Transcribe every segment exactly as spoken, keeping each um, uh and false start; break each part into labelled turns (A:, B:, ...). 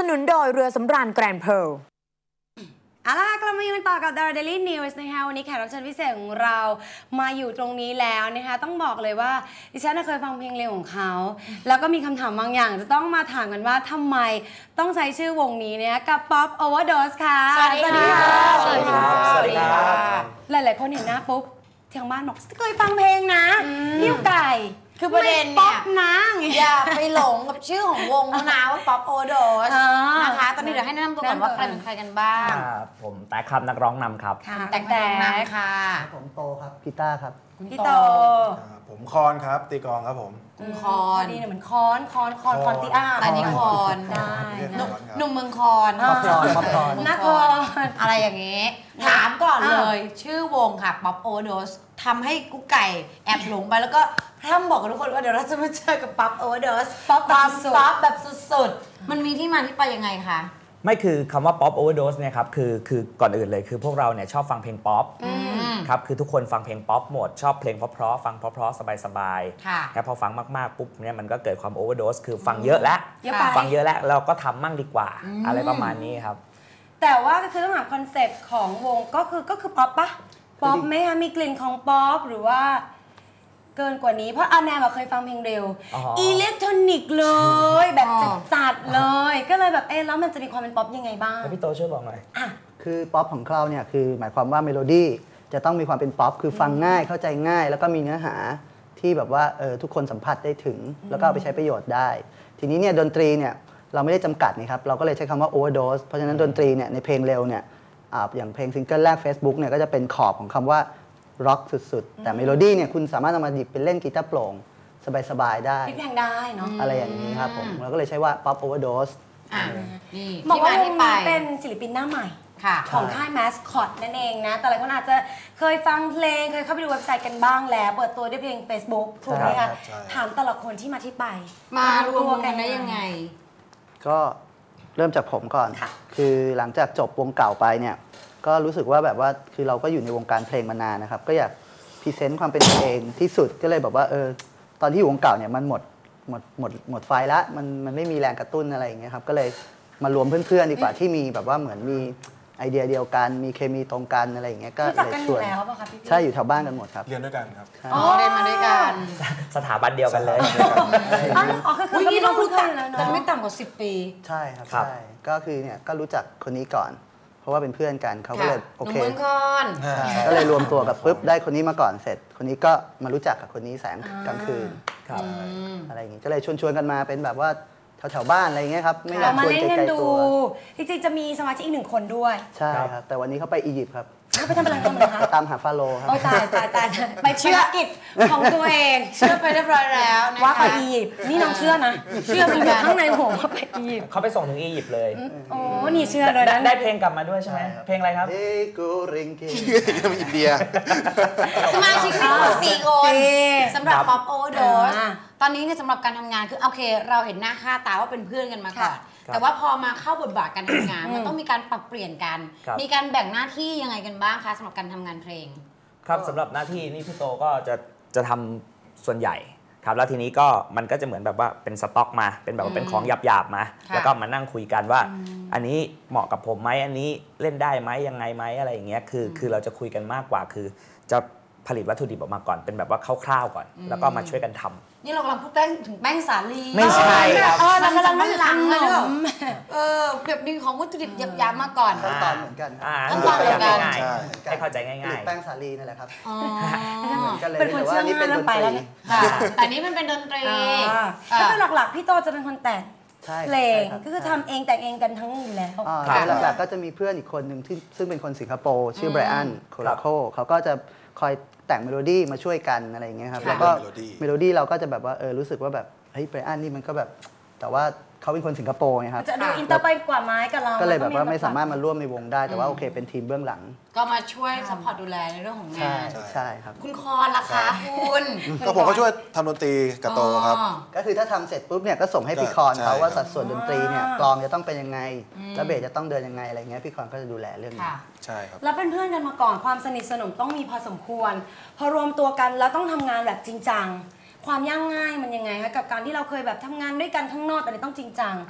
A: นุนโดยเรือสำราญแกรนด์เพร์ล
B: เอาล่ะกลับมาอยู่กันต่อกับ The Daily News นะคะวันนี้แขกรับเชิญพิเศษของเรามาอยู่ตรงนี้แล้วนะคะต้องบอกเลยว่าดิฉันเคยฟังเพลงเร็วของเขาแล้วก็มีคำถามบางอย่างจะต้องมาถามกันว่าทำไมต้องใช้ชื่อวงนี้เนี่ยกับ Pop Overdose ค่ะ
C: สวัสดีค่ะ
B: สวัสดีค่ะ
C: สวัสดีค่ะ
B: หลายๆคนเห็นหน้าปุ๊บทางบ้านบอกเคยฟังเพลงนะพี่ไก่
C: คือประเด็นเนี่ย
B: นะ
C: อย่าไปหลงกับชื่อของวงเขานะว่า Pop Overdose นะคะตอนนี้เดี๋ยวให้แนะนำตัวก่อนว่าใครเป็นใครกันบ้าง
D: ผมแต๊กครับนักร้องนำครับ
C: แต๊กแต่นำค่ะ
E: ผมโตครับกีตาร์ครับ
B: พี่โต
F: ผมคอนครับตีกลองครับผม
C: คุณคอน
B: ดีเนี่ยเหมือนคอนคอนคอนคอนตีอาร์
C: อันนี้คอน
B: ได้
C: หนุ่มเมืองคอน
E: ป๊อปคอนป๊อปคอน
B: นักคอน
C: อะไรอย่างนี้ถามก่อนเลยชื่อวงค่ะ Pop Overdose ทำให้กุ๊กไก่แอบหลงไปแล้วก็พร่ำบอกกับทุกคนว่าเดี๋ยวเราจะมาเจอกับ Pop Overdose
B: ป๊อป
C: ความป๊อปแบบสุดๆมันมีที่มาที่ไปยังไงคะ
D: ไม่คือคำว่า Pop Overdose เนี่ยครับคือคือก่อนอื่นเลยคือพวกเราเนี่ยชอบฟังเพลงป๊อปครับคือทุกคนฟังเพลงป๊อปหมดชอบเพลงเพราะๆฟังเพราะๆสบายๆแล้วพอฟังมากๆปุ๊บเนี่ยมันก็เกิดความ Overdose คือฟังเยอะแล้วฟังเยอะแล้วเราก็ทำมั่งดีกว่าอะไรประมาณนี้ครับ
B: แต่ว่าก็คือต้องถามคอนเซ็ปต์ของวงก็คือก็คือป๊อปปะป๊อปไหมคะมีกลิ่นของป๊อปหรือว่าเกินกว่านี้เพราะอาแนมเคยฟังเพลงเร็วอิเล็กทรอนิกส์เลยแบบจัดๆเลยก็เลยแบบเอ๊ะแล้วมันจะมีความเป็นป๊อปยังไงบ้าง
D: พี่โตช่วยบอกหน่อย
E: คือป๊อปของเราเนี่ยคือหมายความว่าเมโลดี้จะต้องมีความเป็นป๊อปคือฟังง่ายเข้าใจง่ายแล้วก็มีเนื้อหาที่แบบว่าเออทุกคนสัมผัสได้ถึงแล้วก็เอาไปใช้ประโยชน์ได้ทีนี้เนี่ยดนตรีเนี่ยเราไม่ได้จำกัดนะครับเราก็เลยใช้คำว่า overdose เพราะฉะนั้นดนตรีเนี่ยในเพลงเร็วเนี่ยอย่างเพลงซิงเกิลแรก Facebook เนี่ยก็จะเป็นขอบของคำว่าร็อกสุดๆแต่เมโลดี้เนี่ยคุณสามารถเอามาหยิบเป็นเล่นกีตาร์โปร่งสบายๆได้
B: พลิกแพงได้เนาะ
E: อะไรอย่างนี้ครับผมเราก็เลยใช้ว่า Pop Overdose
C: อ่านี่
B: บอกว่าวงนี้เป็นศิลปินหน้าใหม่ของค่ายแมสคอตนั่นเองนะแต่หลายคนอาจจะเคยฟังเพลงเคยเข้าไปดูเว็บไซต์กันบ้างแล้วเปิดตัวด้วยเพลง Facebook ถูกไหมคะถามแต่ละคนที่มาที่ไป
C: มารวมกันได้ยังไง
E: ก็เริ่มจากผมก่อนคือหลังจากจบวงเก่าไปเนี่ยก็รู้สึกว่าแบบว่าคือเราก็อยู่ในวงการเพลงมานานนะครับก็อยากพรีเซนต์ความเป็นตัวเองที่สุดก็เลยแบบว่าเออตอนที่อยู่วงเก่าเนี่ยมันหมดหมดหมดหมดไฟละมันมันไม่มีแรงกระตุ้นอะไรอย่างเงี้ยครับก็เลยมารวมเพื่อนๆดีกว่าที่มีแบบว่าเหมือนมีไอเดียเดียวกันมีเคมีตรงกันอะไรอย่างเงี้ยก็เลยชวนใช่อยู่แถวบ้านกันหมดครับ
F: เรียนด้วยกันครับ
C: อ๋อเรียนมาด้วยกัน
D: สถาบันเดียวกันเลย
B: อ๋อคือคือ
C: นี่ต้องรู้จักกันไม่ต่ำกว่าสิบปี
E: ใช่ครับใช่ก็คือเนี่ยก็รู้จักคนนี้ก่อนเพราะว่าเป็นเพื่อนกันเขาก็เลยโอเคก็เลยรวมตัวกับปุ๊บได้คนนี้มาก่อนเสร็จคนนี้ก็มารู้จักกับคนนี้แสงกลางคืนอะไรอย่างงี้ก็เลยชวนๆกันมาเป็นแบบว่าแถวๆบ้านอะไรเงี้ยครับ
B: ไม่อยากชวนไกลๆตัวจริงๆจะมีสมาชิกอีกหนึ่งคนด้วย
E: ใช่ครับแต่วันนี้เขาไปอียิปต์ครับ
B: ไปทำอะไรกันมาคะ
E: ตามหาฟาโรห์ครับ
B: โอ้ตายตายตายไปเชื่อกิจของตัวเอง
C: เชื่อไปเรียบร้อยแล้ว
B: ว่าไปอียิปต์นี่น้องเชื่อนะเชื่อมันอยู่ข้างในผมว่าไปอียิปต์
D: เขาไปส่งถึงอียิปต์เลย
B: โอ้นี่เชื่อเลยนะ
D: ได้เพลงกลับมาด้วยใช่ไหมเพลงอะไรครับ
E: เฮ้กูริงกิ
F: อินเดีย
C: สมาชิกมีทั้งหมดสี่คนสำหรับ Pop Overdose ตอนนี้เนี่ยสำหรับการทำงานคือโอเคเราเห็นหน้าค่าตาว่าเป็นเพื่อนกันมาก่อนแต่ว่าพอมาเข้าบทบาทการทำงานมันต้องมีการปรับเปลี่ยนกันมีการแบ่งหน้าที่ยังไงกันบ้างคะสำหรับการทำงานเพลง
D: ครับสำหรับหน้าที่นี่พี่โตก็จะจะทำส่วนใหญ่ครับแล้วทีนี้ก็มันก็จะเหมือนแบบว่าเป็นสต็อกมาเป็นแบบว่าเป็นของหยาบๆมาแล้วก็มานั่งคุยกันว่าอันนี้เหมาะกับผมไหมอันนี้เล่นได้ไหมยังไงไหมอะไรอย่างเงี้ยคือคือเราจะคุยกันมากกว่าคือจะผลิตวัตถุดิบออกมาก่อนเป็นแบบว่าคร่าวๆก่อนแล้วก็มาช่วยกันทำ
C: นี่เรากำลังพูดแป้งถึงแป้งสาลี
D: ไม่ใช่ครับ
C: เออเรากำลังมันหลังเลยเออแบบดึงของวัตถุดิบหยาบๆมาก่อน
E: ขั้นตอนเหมือนกัน
C: ขั้นตอนเหมือนกัน
D: ให้เข้าใจง่าย
E: ๆแป้งสาลีนั่นแหละครับ
B: เป็นคนเชื่อง่ายแล้วไปแล้วเนี่ย
C: แต่นี้มันเป็นดนตรี
B: ก็คือหลักๆพี่โตจะเป็นคนแต่งเพลงก็คือทำเองแต่งเองกันทั้งอยู่แล้ว
E: หลักๆก็จะมีเพื่อนอีกคนหนึ่งที่ซึ่งเป็นคนสิงคโปร์ชื่อไบรอันโคลาโคเขาก็จะคอยแต่งเมโลดี้มาช่วยกันอะไรอย่างเงี้ยครับแล้วก็เมโลดี้เราก็จะแบบว่าเออรู้สึกว่าแบบเฮ้ยไบรอันนี่มันก็แบบแต่ว่าเขาเป็นคนสิงคโปร์ไงครับ
B: จะดูอินเตอร์ไปกว่าไม้กับเรา
E: ก็เลยแบบว่าไม่สามารถมาร่วมในวงได้แต่ว่าโอเคเป็นทีมเบื้องหลัง
C: ก็มาช่วยซัพพอร์ตดูแลในเรื่องของงาน
E: ใช่ครับ
C: คุณคอนล่ะคะคุณ
F: ก็ผมก็ช่วยทำดนตรีกับโตครับ
E: ก็คือถ้าทำเสร็จปุ๊บเนี่ยก็ส่งให้พี่คอนเขาว่าสัดส่วนดนตรีเนี่ยกลองจะต้องเป็นยังไงแล้วเบสจะต้องเดินยังไงอะไรเงี้ยพี่คอนก็จะดูแลเรื่องนี้
F: ใช่ครับ
B: แล้วเป็นเพื่อนกันมาก่อนความสนิทสนมต้องมีพอสมควรพอรวมตัวกันแล้วต้องทำงานแบบจริงจังความยากง่ายมันยังไงคะกับการที่เราเคยแบบทำงานด้วยกันข้างนอกแต่ต้องจริงจัง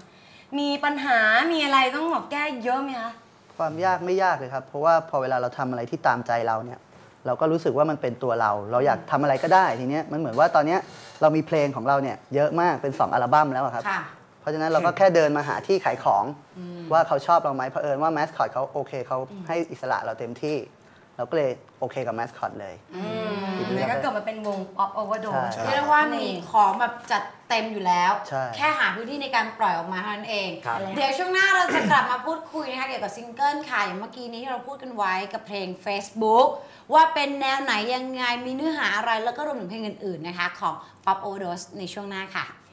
B: มีปัญหามีอะไรต้องแบบแก้เยอะไหมคะ
E: ความยากไม่ยากเลยครับเพราะว่าพอเวลาเราทำอะไรที่ตามใจเราเนี่ยเราก็รู้สึกว่ามันเป็นตัวเรา เราอยากทำอะไรก็ได้ทีเนี้ยมันเหมือนว่าตอนเนี้ยเรามีเพลงของเราเนี่ยเยอะมากเป็นสองอัลบั้มแล้วอะครับเพราะฉะนั้นเราก็แค่เดินมาหาที่ขายของว่าเขาชอบเราไหมเผอิญว่าแมสคอตเขาโอเคเขาให้อิสระเราเต็มที่เราก็เลยโอเคกับแมสคอตเลย
B: แล้วก็เกิดมาเป็นวง Pop Overdose
C: เรียกได้ว่ามีของแบบจัดเต็มอยู่แล้ว
E: ใช่
C: แค่หาพื้นที่ในการปล่อยออกมาเท่านั้นเอง
D: ครับ
C: เดี๋ยวช่วงหน้าเราจะกลับมาพูดคุยนะคะเกี่ยวกับซิงเกิลค่ะอย่างเมื่อกี้นี้ที่เราพูดกันไว้กับเพลง Facebook ว่าเป็นแนวไหนยังไงมีเนื้อหาอะไรแล้วก็รวมถึงเพลงอื่นๆนะคะของ Pop Overdose ในช่วงหน้าค่ะ